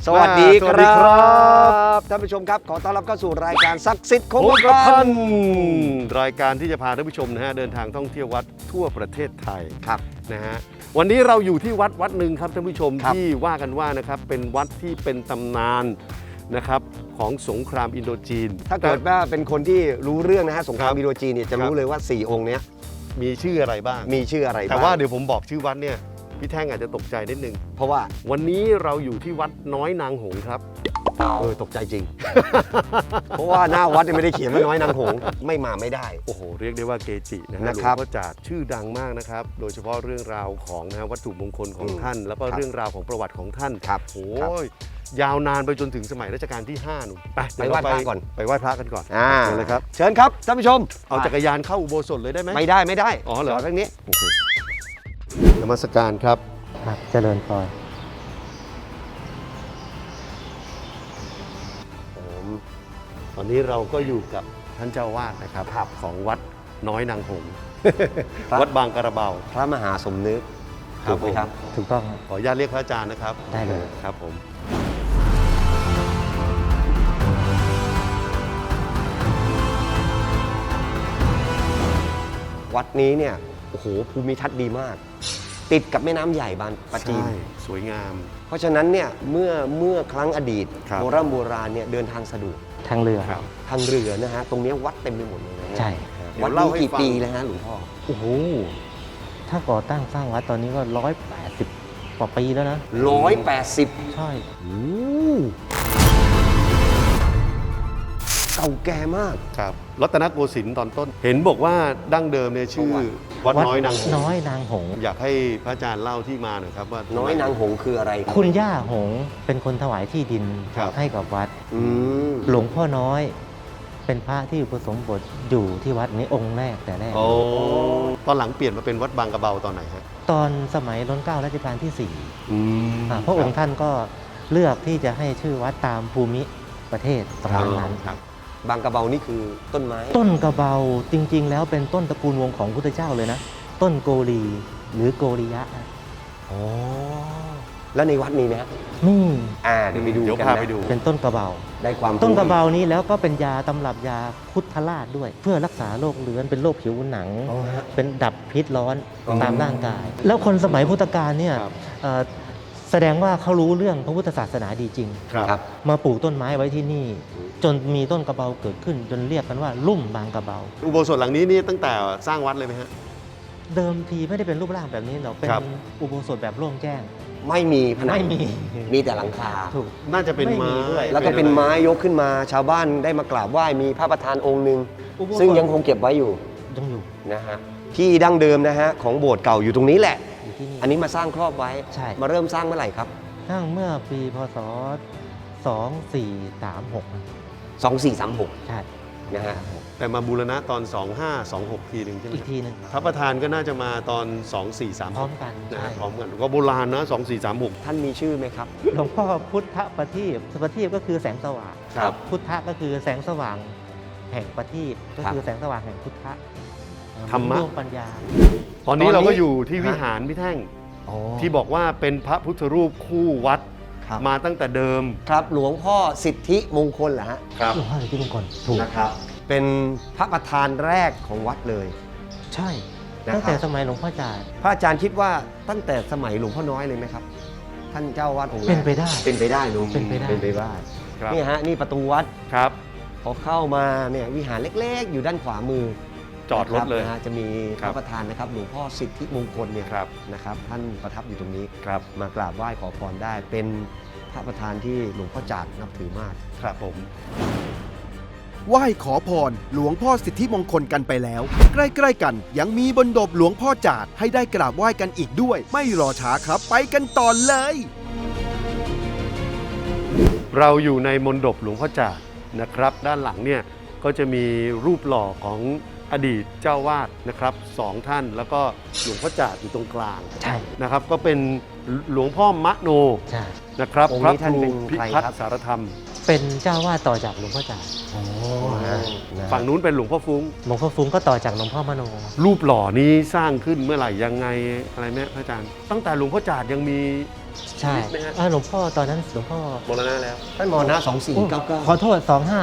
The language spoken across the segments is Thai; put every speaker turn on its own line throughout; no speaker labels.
สวัสดีค
สวัสดีครั
รับท่านผู้ชมครับขอต้อนรับเข้าสู่รายการศักดิ์สิทธิ์คงกระพัน
รายการที่จะพาท่านผู้ชมนะฮะเดินทางท่องเที่ยววัดทั่วประเทศไทย
ครับ
นะฮะวันนี้เราอยู่ที่วัดหนึ่งครับท่านผู้ชม
ครับ
ที่ว่ากันว่านะครับเป็นวัดที่เป็นตำนานนะครับของสงครามอินโดจีน
ถ้าเกิดว่าเป็นคนที่รู้เรื่องนะฮะสงคราม
ครับ
อินโดจีนเนี่ยจะ
ครั
รู้
บ
เลยว่า 4 องค์เนี้ย
มีชื่ออะไรบ้าง
มีชื่ออะไรบ้าง
แต่ว่าเดี๋ยวผมบอกชื่อวัดเนี่ยพี่แท่งอาจจะตกใจนิดนึง
เพราะว่า
วันนี้เราอยู่ที่วัดน้อยนางหงส์ครับ
ตกใจจริง เพราะว่าหน้าวัดเนี่ยไม่ได้เขียนว่าน้อยนางหงส์ไม่มาไม่ได้
โอ้โหเรียกได้ว่าเกจินะฮะหลว
นะ
ง
ครับ
พ่อจาดชื่อดังมากนะครับโดยเฉพาะเรื่องราวของนะฮะวัตถุมงคลของท่าน แล้วก็
ครับ
เรื่องราวของประวัติของท่าน
ครับ
โอ้
ครับ
ยยาวนานไปจนถึงสมัยรัชกาลที่5นู่นไปเดี๋ย
ไปไหว้พระก่อน
ไปไหว้พระกันก่อน
อ่า
เชิญเลยครับ
เชิญครับท่านผู้ชม
เอาจักรยานเข้าอุโบสถเลยได้ไหม
ไม่ได้
อ๋อเหรอ
จดเรื่องนี้
โอเคนมัสการครับ
ครับเจริญพร
ตอนนี้เราก็อยู่กับท่านเจ้าวาดนะครับของวัดน้อยนางหงส์
ครับ
วัดบางกระเบา
พระมหาสมนึก
ครับ
ถูกไหมครับ
ถูกต้องครับ
ขออนุญาตเรียกพระอาจารย์นะครับ
ได้เลย
ครับผม
วัดนี้เนี่ยโอ้โหภูมิทัศน์ดีมาก ติดกับแม่น้ำใหญ่บางปะจีน
ใช่สวยงาม
เพราะฉะนั้นเนี่ยเมื่อครั้งอดีต
ครับ
โบราณเนี่ยเดินทางสะดวก
ทางเรือ
ครับ
ทางเรือนะฮะตรงเนี้ยวัดเต็มไปหมดเลยนะ
ใช่
เดี๋ย
วัด
วเล่า
นี้
ให้
กี่
ฟัง
ปีแล้วฮะหลวงพ่อ
โอ้โหถ้าก่อตั้งสร้างวัดตอนนี้ก็180กว่าปีแล้วนะ
180
ใช่
เก่าแก่มาก
ครับรัตนโกสินทร์ตอนต้น เห็นบอกว่าดั้งเดิมเนี่ยชื่อวัดน้อยนางหงส์
น้อยนางหงส์
อยากให้พระอาจารย์เล่าที่มาหน่อยครับว่า
น้อยนางหงส์คืออะไรรับ
คุณย่าหงส์เป็นคนถวายที่ดิน
ครับ
ให้กับวัด
อืม
หลวงพ่อน้อย เป็นพระที่อุปสมบทอยู่ที่วัดนี้องค์แรกแต่แรก
โอ้ตอนหลังเปลี่ยนมาเป็นวัดบางกระเบาตอนไหนฮะ
ตอนสมัยรัชกาลรัชกาลที่
อืม
4พระองค์ท่านก็เลือกที่จะให้ชื่อวัดตามภูมิประเทศสมัยนั้น
ครับ
บางกระเบานี่คือต้นไม้
ต้นกระเบาจริง ๆ แล้วเป็นต้นตระกูลวงของพุทธเจ้าเลยนะ ต้นโกรีหรือโกริยะ
อ๋อแล้วในวัดมีไหมฮะ
นี่
เดี๋ยวไปดู
เดี๋ยว
กัน
พา
นะ
ไปดู
เป็นต้นกระเบา
ได้ความ
ต้นกระ
รู้
เบานี้แล้วก็เป็นยาตำรับยาพุทธราชด้วย เพื่อรักษาโรคเรื้อนเป็นโรคผิวหนัง
อ๋อฮะ
เป็นดับพิษร้อน
อ๋อ
ตามร่างกาย แล้วคนสมัยพุทธกาลเนี่ย
ครับ
เอ่อแสดงว่าเขารู้เรื่องพระพุทธศาสนาดีจริง
ครับ
มาปลูกต้นไม้ไว้ที่นี่ จนมีต้นกระเบาเกิดขึ้น จนเรียกกันว่าลุ่มบางกระเบา
อุโบสถหลังนี้นี่ตั้งแต่สร้างวัดเลยไหมฮะ
เดิมทีไม่ได้เป็นรูปร่างแบบนี้หรอกเป็น
ครับ
อุโบสถแบบโล่งแจ้ง
ไม่มีผนัง
ไม่มี
มีแต่หลังคา
ถูก
น่าจะเป็น
ไม่มี
ไม้
ด้วย
แล้วก็เป็นไม้ยกขึ้นมา ชาวบ้านได้มากราบไหว้มีพระประธานองค์หนึ่ง
อุโบสถ
ซึ่งยังคงเก็บไว้อยู่
ยังอยู่
นะฮะที่ดั้งเดิมนะฮะของโบสถ์เก่าอยู่ตรงนี้แหละ
อยู่ที่นี่
อันนี้มาสร้างครอบไว้
ใช่
มาเริ่มสร้างเมื่อไหร่ครับ
สร้างเมื่อปีพศ 2436
2436
ใช่
นะฮะ
แต่มาบูรณะตอน 2526 ทีหนึ่งใช่ไหม
อีกทีหนึ่ง
พระประธานก็น่าจะมาตอน
พร้อม
2436
กัน
นะ
ใช่
ฮะพร้อมกันก็โบราณนะ 2436
ท่านมีชื่อไหมครับ
หลวงพ่อพุทธประทีปประทีปก็คือแสงสว่าง
ครับ
พุทธะก็คือแสงสว่างแห่งประทีปก็
ครับ
คือแสงสว่างแห่งพุทธะ
ธรรมะ
ดวงปัญญา
ตอนนี้เราก็อยู่ที่
ฮะ
วิหารพี่แท่งที่บอกว่าเป็นพระพุทธรูปคู่วัด
ครับ
มาตั้งแต่เดิม
ครับหลวงพ่อสิทธิมงคลเหรอฮะ
ครับ
หลวงพ่อสิทธิมงคลถูก
นะครับ เป็นพระประธานแรกของวัดเลย
ใช่
นะครับ
ตั้งแต่สมัยหลวงพ่อจาด
พระอาจารย์คิดว่าตั้งแต่สมัยหลวงพ่อน้อยเลยไหมครับ ท่านเจ้าวาดองค์แรก
เป็นไปได้
เป็นไปได้ลุง
เป็นไปได้
เป็นไปได้
ครับ
นี่ฮะนี่ประตูวัด
ครับ
พอเข้ามาเนี่ยวิหารเล็กๆ อยู่ด้านขวามือ
จอดรถเลย
นะฮะจะมีพ
ครั
ระ
บ
ประธานนะครับหลวงพ่อสิทธิมงคลเนี่ย
ครับ
นะครับท่านประทับอยู่ตรงนี้
ครับ
มากราบไหว้ขอพรได้ เป็นพระประธานที่หลวงพ่อจาดนับถือมาก
ครับผม
ไหว้ขอพรหลวงพ่อสิทธิมงคลกันไปแล้ว ใกล้ๆกันยังมีบนดบหลวงพ่อจาดให้ได้กราบไหว้กันอีกด้วย ไม่รอช้าครับไปกันต่อเลย
เราอยู่ในมณฑปหลวงพ่อจาดนะครับ ด้านหลังเนี่ยก็จะมีรูปหล่อของอดีตเจ้าวาดนะครับสองท่านแล้วก็หลวงพ่อจาดอยู่ตรงกลาง
ใช่
นะครับ ก็เป็นหลวงพ่อมะโน
ใช่
นะครับ
องค์
พระ
นี้
ค
ท่าน
รู
เป็น
พิ
ใคร
พัฒ
ครับ
น์สารธรรม
เป็นเจ้าวาดต่อจากหลวงพ่อจาด
ฝั่งนู้นเป็นหลวงพ่อฟุ้ง
หลวงพ่อฟุ้งก็ต่อจากหลวงพ่อมโน
รูปหล่อนี้สร้างขึ้นเมื่อไหร่ยังไงอะไรไหมพระอาจารย์ ตั้งแต่หลวงพ่อจาดยังมี
ใช่
นิดไหมฮะ
หลวงพ่อตอนนั้นหลวงพ่อ
มรณะแล้ว
ท่านมรณะ
ขอ
2499
โทษ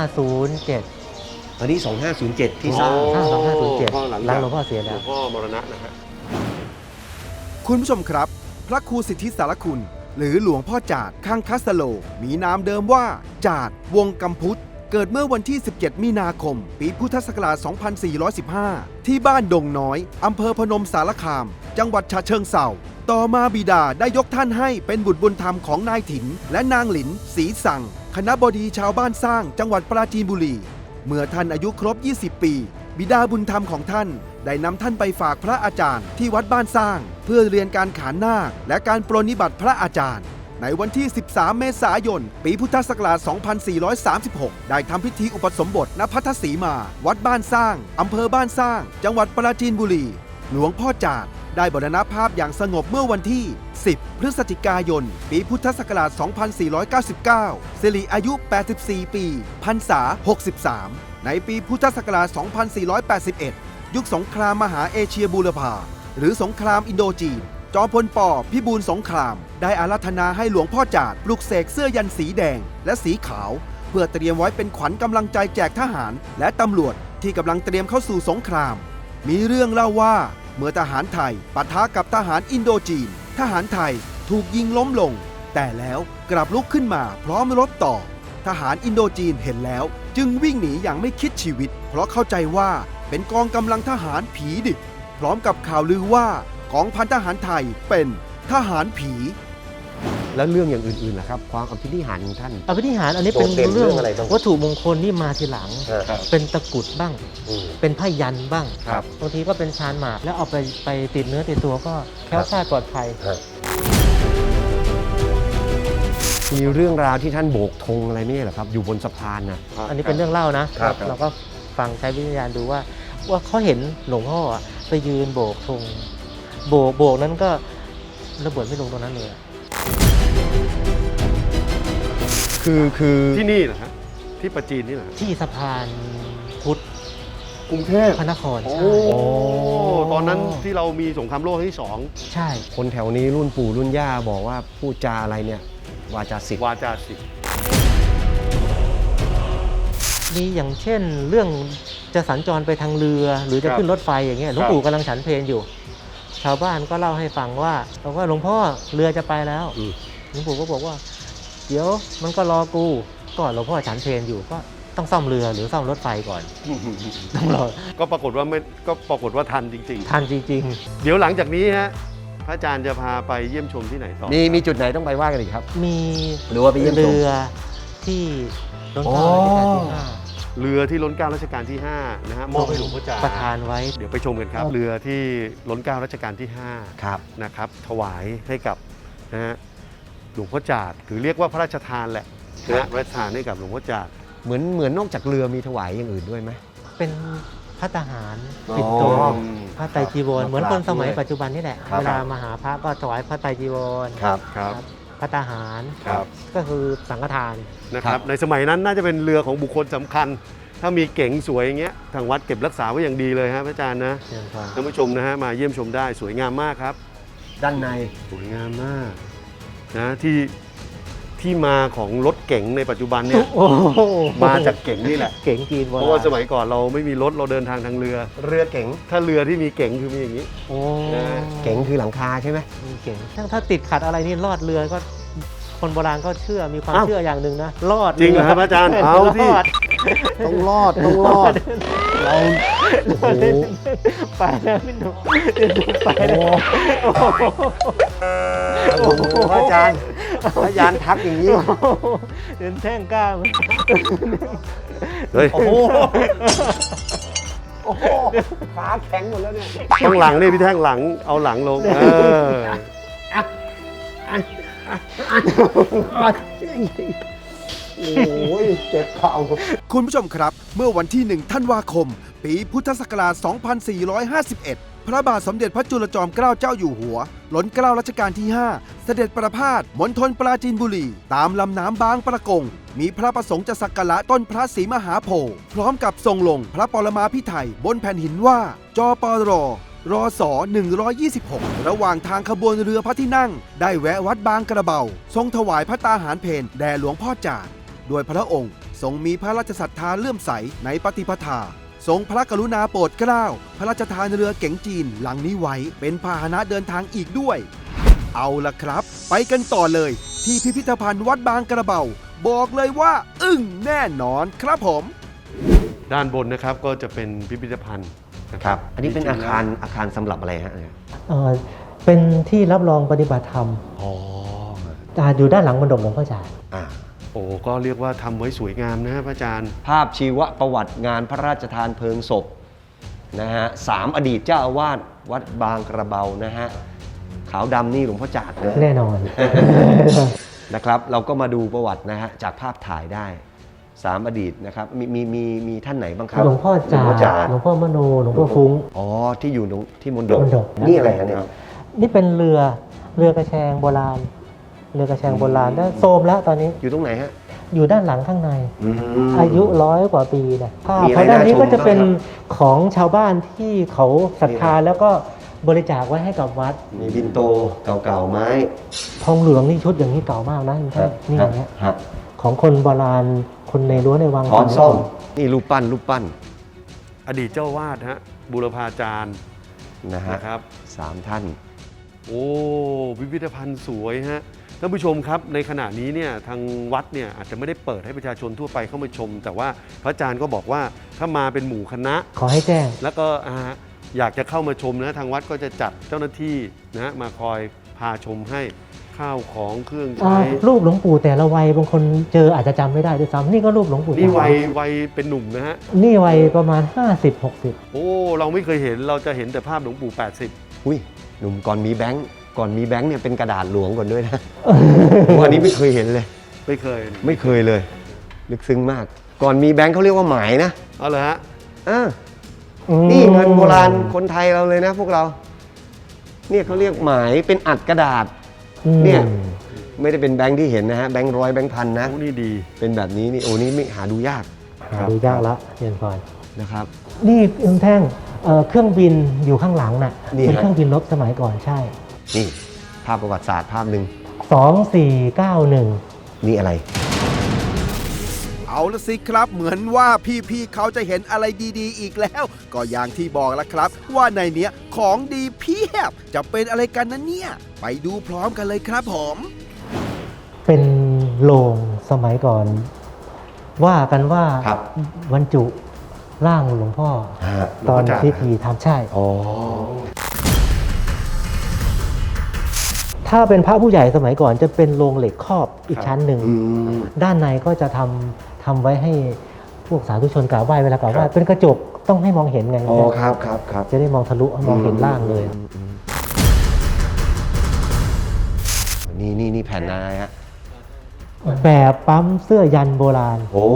2507
อันนี้ 2507 ที่สร้าง
2507
ก็หลัง
หลั
จาง ก
หลวงพ่อเสีย
หล
แล้ว ว
งพ่อมรณะนะฮะ
คุณผู้ชมครับ พระครูสิทธิสารคุณ หรือหลวงพ่อจาดข้างคัสโล มีนามเดิมว่า จาดวงกำพุทธ เกิดเมื่อวันที่ 17 มีนาคม ปีพุทธศักราช 2415 ที่บ้านดงน้อย อำเภอพนมสารคาม จังหวัดฉะเชิงเทราต่อมาบิดาได้ยกท่านให้เป็นบุตรบุญธรรมของนายถิน และนางหลินศรีสั่ง คณบดีชาวบ้านสร้างจังหวัดปราจีนบุรี เมื่อท่านอายุครบ 20 ปี บิดาบุญธรรมของท่านได้นำท่านไปฝากพระอาจารย์ที่วัดบ้านสร้าง เพื่อเรียนการขานนาคและการปรนนิบัติพระอาจารย์ ในวันที่ 13 เมษายน ปีพุทธศักราช 2436 ได้ทำพิธีอุปสมบทณพัทธสีมา วัดบ้านสร้าง อำเภอบ้านสร้าง จังหวัดปราจีนบุรี หลวงพ่อจาดได้มรณภาพอย่างสงบเมื่อวันที่ 10 พฤศจิกายน ปีพุทธศักราช 2499 สิริอายุ 84 ปีพรรษา 63 ในปีพุทธศักราช 2481 ยุคสงครามมหาเอเชียบูรพาหรือสงครามอินโดจีน จอมพลป.พิบูลสงคราม ได้อาราธนาให้หลวงพ่อจาดปลุกเสกเสื้อยันสีแดงและสีขาว เพื่อเตรียมไว้เป็นขวัญกำลังใจแจกทหาร และตำรวจที่กำลังเตรียมเข้าสู่สงคราม มีเรื่องเล่าว่าเมื่อทหารไทยปะทะกับทหารอินโดจีน ทหารไทยถูกยิงล้มลง แต่แล้วกลับลุกขึ้นมาพร้อมรบต่อ ทหารอินโดจีนเห็นแล้วจึงวิ่งหนีอย่างไม่คิดชีวิต เพราะเข้าใจว่าเป็นกองกำลังทหารผีดิบ พร้อมกับข่าวลือว่ากองพันทหารไทยเป็นทหารผี
แล้วเรื่องอย่างอื่นๆล่ะครับ ความอภินิหารของท่าน
อภินิหารอันนี้เป็น
โดดเด่น
เรื่อง
เรื่องอะไรบ้าง
วัตถุมงคลที่มาทีหลัง
ครับ
เป็นตะกรุดบ้าง
อืม
เป็นผ้ายันบ้าง
ครับ
บางทีก็เป็นชานหมากแล้วเอาไปติดเนื้อติดตัวก็แคล้วคลาดปลอดภัย
มีเรื่องราวที่ท่านโบกธงอะไรไม่ใช่เหรอครับ อยู่บนสะพานนะ
อันนี้เป็นเรื่องเล่านะครับ เราก็ฟังใช้วิญญาณดูว่าเขาเห็นหลวงพ่อไปยืนโบกธงโบกนั้นก็ระเบิดไม่ลงตรงนั้นเลย
คือ
ที่นี่เหรอฮะที่ประจีนนี่เหรอฮะ
ที่สะพานพุทธ
กรุงเทพ
พระนคร
โอ้
ใช่
ตอนนั้นที่เรามีสงครามโลกครั้งที่สอง
ใช่
คนแถวนี้รุ่นปู่รุ่นย่าบอกว่าพูดจาอะไรเนี่ยวาจาศิษย์
วาจาศิษย์
มีอย่างเช่นเรื่องจะสัญจรไปทางเรือหรือจะขึ้นรถไฟอย่างเงี้ยหลวงปู่กำลังฉันเพลอยู่ ชาวบ้านก็เล่าให้ฟังว่าหลวงพ่อเรือจะไปแล้วหลวงปู่ก็บอกว่า เดี๋ยวมันก็รอกูก็หลวงพ่อฉันเพลอยู่ก็ต้องซ่อมเรือหรือซ่อมรถไฟก่อนต้องรอ
ก็ปรากฏว่าทันจริง
ทันจริง
ๆ เดี๋ยวหลังจากนี้ฮะพระอาจารย์จะพาไปเยี่ยมชมที่ไหนต่อ
มีจุดไหนต้องไปว่ากันอีกครับ
ๆ มี
หรือว่าไปเยี่ยมชม
เรือที่ล้นเกล้ารัชกาลที่ห้า
เรือที่ล้นเกล้ารัชกาลที่5นะฮะมอบให้หลวงพ่อจาด
ประทานไว้
เดี๋ยวไปชมกันครับ เรือที่ล้นเกล้ารัชกาลที่5
ครับ
นะครับถวายให้กับนะฮะหลวงพ่อจาดหรือเรียกว่าพระราชทานแหละนะฮะพระราชทานให้กับหลวงพ่อจาด
เหมือนนอกจากเรือมีถวายอย่างอื่นด้วยไหม
เป็นพระทหารปิดตัว
อ๋อ
พระไตรจีวรเหมือนคนสมัย
ด้วย
ปัจจุบันนี่แหละ
ครับ
เวลามาหาพระก็ถวายพระไตรจีวร
ครับ
ครับ
พระทหาร
ครับ
ก็คือสังฆทาน
นะครับในสมัยนั้นน่าจะเป็นเรือของบุคคลสำคัญ ถ้ามีเก๋งสวยอย่างเงี้ยทางวัดเก็บรักษาไว้อย่างดีเลยฮะพระอาจารย์นะ
เชิญพร
ท่านผู้ชมนะฮะมาเยี่ยมชมได้สวยงามมากครับ
ด้านใน
สวยงามมากนะที่มาของรถเก๋งในปัจจุบันเนี่ย
โอ้โห
มาจากเก๋งนี่แหละ
เก๋งจีนโบ
เพ
ราณ
ราะว่าสมัยก่อนเราไม่มีรถเราเดินทางทางเรือ
เรือเก๋ง
ถ้าเรือที่มีเก๋งคือมีอย่างนี้
โอ้
เก๋งคือหลังคาใช่ไหม
มีเก๋งถ้าติดขัดอะไรนี่รอดเรือก็คนโบราณก็เชื่อมีความ
อ้าว
เชื่ออย่างหนึ่งนะรอด
จริงเหรอครับอาจารย์เอาสิ
รอด
ต้องรอดเราโอ้โห
ไปแล้วพี่หนุ่มไปแล้ว
โอ้โหพระอาจารย์ทักอย่างนี้
เดินแท่งกล้าม
เฮ้ย
โอ้โหขาแข็งหมดแล้วเนี่ย
ข้างหลังนี่พี่แท่งหลังเอาหลังลง
โอ้ยเจ็บเข่า
คุณผู้ชมครับ เมื่อวันที่ 1 ธันวาคม ปีพุทธศักราช 2451 พระบาทสมเด็จพระจุลจอมเกล้าเจ้าอยู่หัว ล้นเกล้ารัชกาลที่ 5 เสด็จประพาสมณฑลปราจีนบุรี ตามลำน้ำบางประกง มีพระประสงค์จะสักการะต้นพระศรีมหาโพธิ์พร้อมกับทรงลงพระปรมาภิไธยบนแผ่นหินว่า จปรรอสอ126 ระหว่างทางขบวนเรือพระที่นั่ง ได้แวะวัดบางกระเบา ทรงถวายพระตาหารเพลแด่หลวงพ่อจาดโดยพระองค์ทรงมีพระราชศรัทธาเลื่อมใสในปฏิปทา ทรงพระกรุณาโปรดเกล้าพระราชทานเรือเก๋งจีนลำนี้ไว้เป็นพาหนะเดินทางอีกด้วย เอาล่ะครับ ไปกันต่อเลยที่พิพิธภัณฑ์วัดบางกระเบา บอกเลยว่า อึ้งแน่นอนครับผม
ด้านบนนะครับก็จะเป็นพิพิธภัณฑ์นะค
ค
รั
รับ บ อันนี้เป็นอาคารสำหรับอะไรฮะ
เป็นที่รับรองปฏิบัติธรรม
อ๋อ
อยู่ด้านหลังมณฑปหลวงพ่อจาด
อ่า
โอ้ก็เรียกว่าทำไว้สวยงามนะพระอาจารย์
ภาพชีวประวัติงานพระราชทานเพลิงศพนะฮะ3อดีตเจ้าอาวาสวัดบางกระเบานะฮะขาวดำนี่หลวงพ่อจาดนะ
แน่นอน
นะครับเราก็มาดูประวัตินะฮะจากภาพถ่ายได้3อดีตนะครับมีท่านไหนบ้างครับ
หลวงพ่อจาดหลวงพ่อมโนหลวงพ่อฟุ้ง
อ๋อที่อยู่ที่มณฑป
มณฑป
นี่อะไรฮะเนี่ย
นี่เป็นเรือกระแชงโบราณ เรือกระแชงโบราณได้โทรมแล้วตอนนี้
อยู่ตรงไหนฮะ
อยู่ด้านหลังข้างใน
อืม
อายุ100 กว่าปีนะภาพ
มีอะไร
เพราะด้านนี้ก็
น่าชม
จะเป็น
บ้างครั
ของชาวบ้านที่เขาศรัทธาแล้วก็บริจาคไว้ให้กับวัด
มีบินโตเก่าๆไม้
ทองเหลืองนี่ชุดอย่างนี้เก่ามากนะคุณท่านนี่อย่างเงี้ย
ฮะ
ของคนโบราณคนในรั้วในวัง
ช้อนส้มนี่รูปปั้น
อดีตเจ้าวาดฮะบูรพาจารย์
นะฮะ
นะครับ
3ท่าน
โอ้พิพิธภัณฑ์สวยฮะท่านผู้ชมครับในขณะนี้เนี่ยทางวัดเนี่ยอาจจะไม่ได้เปิดให้ประชาชนทั่วไปเข้ามาชม แต่ว่าพระอาจารย์ก็บอกว่าถ้ามาเป็นหมู่คณะ
ขอให้แจ้ง
แล้วก็อยากจะเข้ามาชมนะทางวัดก็จะจัดเจ้าหน้าที่นะมาคอยพาชมให้ข้าวของเครื่องใช้
รูปหลวงปู่แต่ละวัยบางคนเจออาจจะจำไม่ได้ด้วยซ้ำนี่ก็รูปหลวงปู่
นี่
จาด
วัยเป็นหนุ่มนะฮะ
นี่วัยประมาณ 50-60
โอ้เราไม่เคยเห็นเราจะเห็นแต่ภาพหลวงปู่
อุ้ยหนุ่มก่อนมีแบงค์เนี่ยเป็นกระดาษหลวงก่อนด้วยนะ ผมอันนี้ไม่เคยเห็นเลย
80ไม่เคย
ไม่เคยเลยลึกซึ้งมาก ก่อนมีแบงค์เขาเรียกว่าหมายนะ
เอาเลยฮะ
อ่านี่เงินโบราณคนไทยเราเลยนะพวกเรา เนี่ยเขาเรียกหมายเป็นอัดกระดาษ เนี่ย ไม่ได้เป็นแบงค์ที่เห็นนะฮะแบงค์ร้อยแบงค์พันนะ
โอ้นี่ดี
เป็นแบบนี้นี่โอ้นี่ไม่หาดูยาก
หาดูยากละเรียนก่อน
นะครับ
นี่คุณแท่งเครื่องบินอยู่ข้างหลังน่ะ
นี่
เป็น
ฮะ
เครื่องบินรบสมัยก่อนใช่
นี่ภาพประวัติศาสตร์ภาพหนึ่ง
2491
นี่อะไร
เอาละสิครับเหมือนว่าพี่ๆเขาจะเห็นอะไรดีๆ อีกแล้ว ก็อย่างที่บอกแล้วครับ ว่าในเนี้ยของดีเพียบจะเป็นอะไรกันนะเนี่ย ไปดูพร้อมกันเลยครับผม
เป็นโรงสมัยก่อน ว่ากันว่า
ครับ
บรรจุร่างหลวงพ่อ
ฮะ
ตอน
หลวงพ่อจาด
พิธีทำใช่
อ๋อ
ถ้าเป็นพระผู้ใหญ่สมัยก่อนจะเป็นโรงเหล็กครอบอีกชั้นหนึ่ง
อืม
ด้านในก็จะทำไว้ให้พวกสาธุชนกราบไหว้เวลากราบไหว้
ครับ
เป็นกระจกต้องให้มองเห็นไง
อ๋อครับครับครับ
จะได้มองทะลุมองเห็นร่างเลย
นี่แผ่นอะไรฮะ
แบบปั๊มเสื้อยันโบราณ
โอ้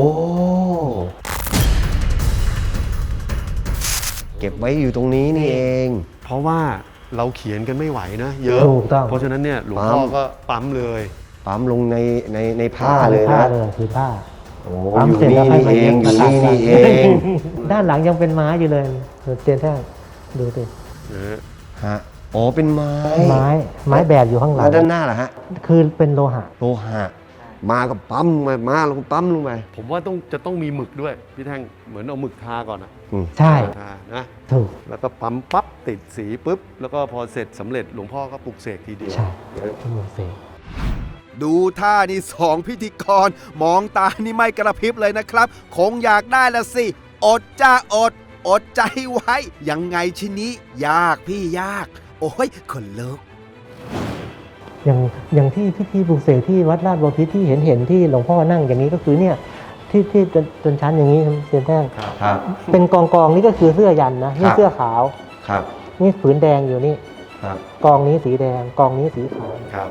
เก็บไว้อยู่ตรงนี้นี่เอง
เพราะว่าเราเขียนกันไม่ไหวนะเยอะ
ถูกต้อง
เพราะฉะนั้นเนี่ยหลวงพ่อก็ปั๊มเลย
ปั๊มลงในผ้าเลย
ผ้า
นะ
เลยคือผ้า
โอ้
ปั๊ม
อยู่
เสร็จ
นี่
แล้วค่อย
นี่
มา
เอง
เย็บ
อยู่
กระ
นี่
ดาษ
นี่เอง
ด้านหลังยังเป็นไม้อยู่เลยเตียนแท่งดูสิ
นะฮะ
ฮะอ๋อเป็นไม้
ไม้แบบอยู่ข้างหลั
แล้
ง
วด้านหน้าล่ะฮะ
คือเป็นโลหะ
โลหะมากับปั๊มมาลงปั๊มลงไป
ผมว่าจะต้องมีหมึกด้วยพี่แท่งเหมือนเอาหมึกทาก่อนนะ
ใช่
ทานะ
ถูก
แล้วก็ปั๊มปั๊บติดสีปุ๊บแล้วก็พอเสร็จสำเร็จหลวงพ่อก็ปลุกเสกทีเดียว
ใช่ที่เมืองเสก
ดูท่านี่สองพิธีกร มองตานี่ไม่กระพริบเลยนะครับ คงอยากได้ละสิ อดจ้าอดใจไว้ ยังไงชิ้นนี้ยากพี่ยาก โอ้ยคนลุก
อย่างที่พิธีปลุกเสกที่วัดราชบพิตรที่เห็นที่หลวงพ่อนั่งอย่างนี้ก็คือเนี่ยที่จนชั้นอย่างนี้เตียนแท่ง
ครับ
เป็นกองนี่ก็คือเสื้อยันนะนี่
ครับ
เสื้อขาว
ครับ
นี่ผืนแดงอยู่นี่
ครับ
กองนี้สีแดงกองนี้สีขาว
ครับ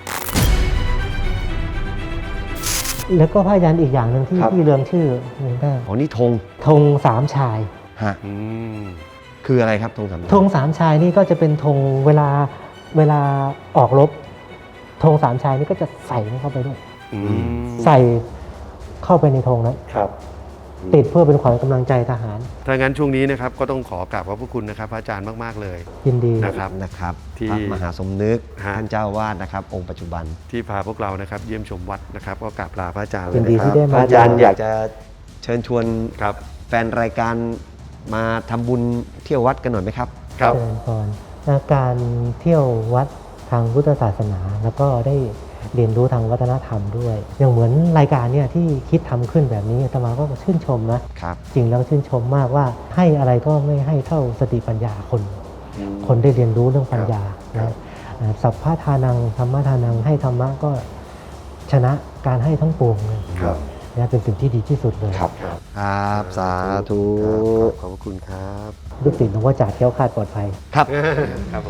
แล้วก็ผ้ายันอีกอย่างหนึ่งที่เรืองชื่อนี่ได้
อ๋อนี่ธง
ธงสามชาย
ฮะ
อืม
คืออะไรครับธงสาม
ธงสามชายนี่ก็จะเป็นธงเวลาออกรบธงสามชายนี่ก็จะใส่เข้าไปด้วย
อืม
ใส่เข้าไปในธงนั้น
ครับ
ติดเพื่อเป็นขวัญกำลังใจทหาร
ถ้างั้นช่วงนี้นะครับก็ต้องขอกราบขอบพระคุณนะครับพระอาจารย์มากๆเลย
ยินดี
นะครับ
ที่
ที่
พระมหาสมนึก
ฮะ
ท่านเจ้าวาดนะครับ องค์ปัจจุบัน
ที่พาพวกเรานะครับเยี่ยมชมวัดนะครับก็กราบลาพระอาจารย์เล
ยิ
ย
นดี
นะค
ที่
รับ
ได้
พ
มา
ระอาจารย์อยากจะเชิญชวน
ครับ
แฟนรายการมาทำบุญเที่ยววัดกันหน่อยไหมครับ
ครับ
เจริญพรการเที่ยววัดทางพุทธศาสนา แล้วก็ได้เรียนรู้ทางวัฒนธรรมด้วย อย่างเหมือนรายการเนี่ยที่คิดทำขึ้นแบบนี้อาตมาก็ชื่นชมนะครับ จริงแล้วชื่นชมมากว่าให้อะไรก็ไม่ให้เท่าสติปัญญาคนได้เรียนรู้เรื่องปัญญานะสัพพะทานังธรรมะทานังให้ธรรมะก็ชนะการให้ทั้งปวงเลย
ครับ
นะเป็นสิ่งที่ดีที่สุดเลย
ครับ สาธุ
ขอบพระคุณครับ
ลูกศิษย์หลวงพ่อจ่าแคล้วคลาดปลอดภัย
ครับ
ครับผม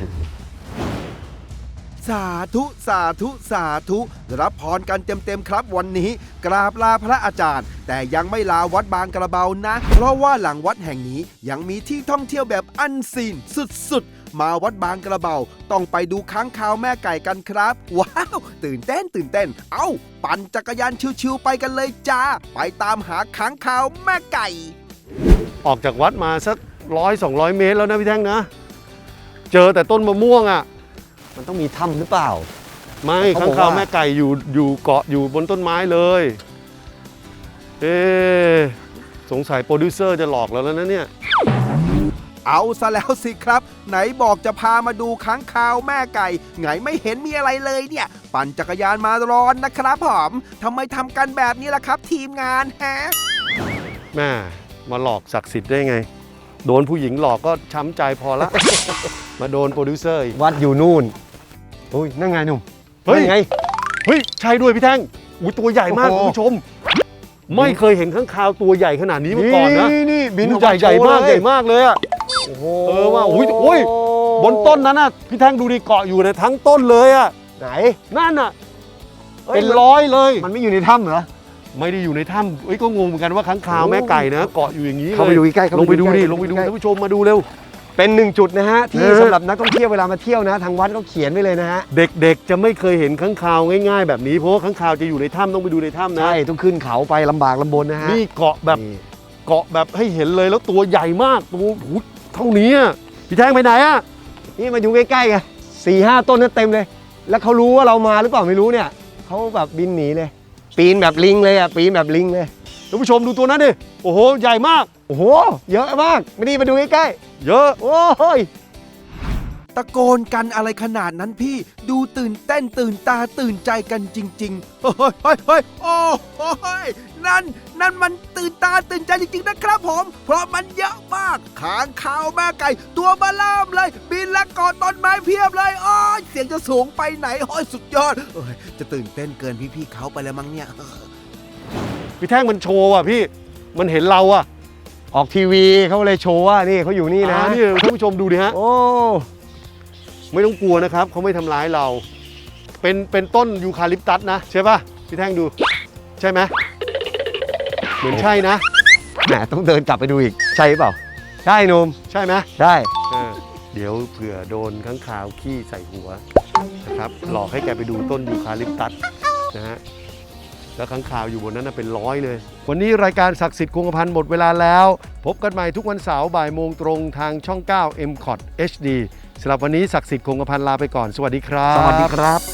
สาธุสาธุสาธุรับพรกันเต็มๆครับวันนี้ กราบลาพระอาจารย์ แต่ยังไม่ลาวัดบางกระเบานะ เพราะว่าหลังวัดแห่งนี้ยังมีที่ท่องเที่ยวแบบอันซีนสุดๆ มาวัดบางกระเบาต้องไปดูค้างคาวแม่ไก่กันครับ ว้าว ตื่นเต้น เอ้า ปั่นจักรยานชิวๆไปกันเลยจ้า ไปตามหาค้างคาวแม่ไก่
ออกจากวัดมาสัก100-200 เมตรแล้วนะพี่แท่งนะ เจอแต่ต้นมะม่วงอ่ะ
มันต้องมีถ้ำหรือเปล่า
ไม่
เขา
ข้า
บ
ง
อกว่า
คาวแม่ไก่อยู่เกาะอยู่บนต้นไม้เลย เอ๊ะสงสัยโปรดิวเซอร์จะหลอกเราแล้วนะเนี่ย
เอาซะแล้วสิครับ ไหนบอกจะพามาดูค้างคาวแม่ไก่ไงไม่เห็นมีอะไรเลยเนี่ย ปั่นจักรยานมาร้อนนะครับผมทำไมทำกันแบบนี้ล่ะครับ ทีมงานฮะ
แม่มาหลอกศักดิ์สิทธิ์ได้ไง โดนผู้หญิงหลอกก็ช้ำใจพอละ มาโดนโปรดิวเซอร์อีก
วัดอยู่นู่นอุ้ยนั่นไงหนุ่ม
เฮ้ย
นั่นไง
เฮ้ย ใช่ด้วยพี่แท่งอุ้ยตัวใหญ่มาก
โอ้
คุ
โห
ณผู้ชม ไม่เคยเห็นข้างคาวตัวใหญ่ขนาดนี้มาก่อนนะ
นี่บินออก
ใหญ่
มา
ใหญ่
โชว์
มาก
เลย
ใหญ่มากเลยอะ
โอ้โห
เออว่าอุ้ยบนต้นนั้นน่ะพี่แท่งดูดิเกาะอยู่ในทั้งต้นเลยอะ
ไหน
นั่นน่ะ
อ้ย
เป็นร้อยเลย
มันไม่อยู่ในถ้ำเหรอ
ไม่ได้อยู่ในถ้ำเอ้ยก็งงเหมือนกันว่าค้างคาวแม่ไก่นะเกาะอยู่อย่างนี้เลย
เข้าไปดูใกล้ๆเข้า
ลงไปดูดิ
ใกล้ๆ
ลงไปดู
ใกล้ๆ
ท่านผู้ชมมาดูเร็ว
เป็นหนึ่งจุดนะฮะที่
เออ
สำหรับนักท่องเที่ยวเวลามาเที่ยวนะ ทางวัดเขาเขียนไว้เลยนะฮะ
เด็กๆจะไม่เคยเห็นค้างคาวง่ายๆแบบนี้เพราะว่าค้างคาวจะอยู่ในถ้ำต้องไปดูในถ้ำนะ
ใช่ต้องขึ้นเขาไปลำบากลำบนนะฮะ
นี่เกาะแบบ
นี่
เกาะแบบให้เห็นเลยแล้วตัวใหญ่มากตัวโอ้โหเท่านี้อะพี่แท่งไปไหนอะ
นี่มาอยู่ใกล้ๆไง4-5 ต้นนั่นเต็มเลย แล้วเขารู้ว่าเรามาหรือเปล่าไม่รู้เนี่ยเขาแบบบินหนีเลย ปีนแบบลิงเลยอ่ะปีนแบบลิงเลย
ท่านผู้ชมดูตัวนั้นดิโอ้โหใหญ่มาก
โอ้โหเยอะมากไม่ดีมาดูใกล้
เยอะ
ๆโอ้ย
ตะโกนกันอะไรขนาดนั้นพี่ดูตื่นเต้นตื่นตาตื่นใจกันจริงๆเฮ้ยโอ้โหนั่นมันตื่นตาตื่นใจจริงๆนะครับผมเพราะมันเยอะมากค้างคาวแม่ไก่ตัวบาล่ามเลยบินและเกาะต้นไม้เพียบเลยโอ้ยเสียงจะสูงไปไหนโอ้ยสุดยอดเอ้ยจะตื่นเต้นเกินพี่ๆเขาไปแล้วมั้งเนี่ย
พี่แท่งมันโชว์อ่ะพี่มันเห็นเราอ่ะ
ออกทีวีเขาเลยโชว์ว่านี่เขาอยู่นี่นะ
นี่ท่านผู้ชมดูดิฮะ
โอ้
ไม่ต้องกลัวนะครับเขาไม่ทำร้ายเรา เป็นต้นยูคาลิปตัสนะใช่ป่ะพี่แท่งดูใช่ไหมเหมือนใช่นะ
แหมต้องเดินกลับไปดูอีกใช่เปล่าใช่หนุ่ม
ใช่ไหม
ใช่
เดี๋ยวเผื่อโดนข้างคาวขี้ใส่หัวนะครับหลอกให้แกไปดูต้นยูคาลิปตัสนะฮะแล้วข้างคาวอยู่บนนั้นนะเป็นร้อยเลย วันนี้รายการศักดิ์สิทธิ์คงกระพันหมดเวลาแล้ว พบกันใหม่ทุกวันเสาร์บ่ายโมงตรงทางช่อง 9 MCOT HD สำหรับวันนี้ศักดิ์สิทธิ์คงกระพันลาไปก่อนสวัสดีครับ
สวัสดีครับ